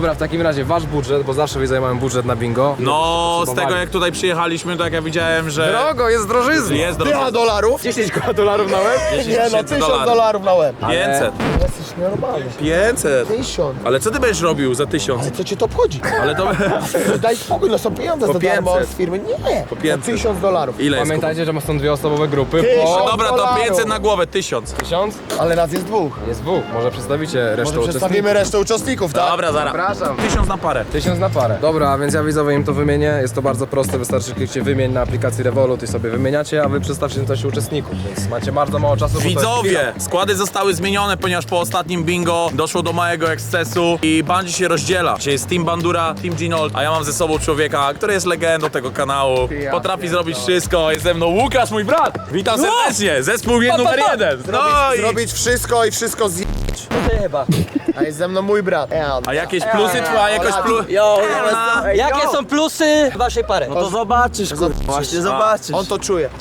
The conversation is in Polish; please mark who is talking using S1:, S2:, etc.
S1: Dobra, w takim razie wasz budżet, bo zawsze widzę, mamy budżet na bingo.
S2: No, z tego jak tutaj przyjechaliśmy, to jak ja widziałem, że
S1: Drogo, jest drożyzna.
S2: jest
S3: $1000?
S2: drogo.
S1: 10 dolarów na łeb?
S2: 10
S3: Nie no,
S2: tysięcy
S3: $1000 na łeb.
S2: 500.
S3: Jesteś normalny.
S2: 500.
S3: 1000.
S2: Ale co ty będziesz robił za 1000?
S3: Ale co cię to obchodzi?
S2: Ale to...
S3: Daj spokój, no są pieniądze
S2: Po
S3: za darmo
S2: 500.
S3: z firmy. Nie,
S2: Po 500.
S3: $1000.
S2: Ile jest?
S1: Pamiętajcie, że są dwie osobowe grupy
S3: Tysiąc.
S1: po
S2: Dobra, to
S3: $1000.
S2: 500 na głowę, 1000.
S1: 1000.
S3: Ale nas jest dwóch.
S1: Jest dwóch, może przedstawicie resztę
S3: Może
S1: uczestników.
S3: przedstawimy resztę uczestników, tak?
S2: Dobra, zaraz.
S1: Zapraszam.
S2: 1000 na parę.
S1: 1000 na parę. Dobra, więc ja widzowie im to wymienię. Jest to bardzo proste, wystarczy klikcie wymień na aplikacji Revolut i sobie wymieniacie, a wy przedstawcie coś uczestników, więc macie bardzo mało czasu. bo to jest
S2: Widzowie, składy zostały zmienione, ponieważ po ostatnim bingo doszło do małego ekscesu i Bungie się rozdziela. Dzisiaj jest Team Bandura, Team Ginold, a ja mam ze sobą człowieka, który jest legendą tego kanału. Potrafi zrobić wszystko. Jest ze mną Łukasz, mój brat. Witam serdecznie. Zespół numer 1. No i...
S3: Zrobić wszystko i wszystko zjeść.
S4: Chyba.
S3: A jest ze mną mój brat.
S2: A jakieś plusy, twoja jakoś plus...
S4: Jo, jakie są plusy waszej pary? No to zobaczysz, kurwa. Właśnie zobaczysz.
S3: On to czuje.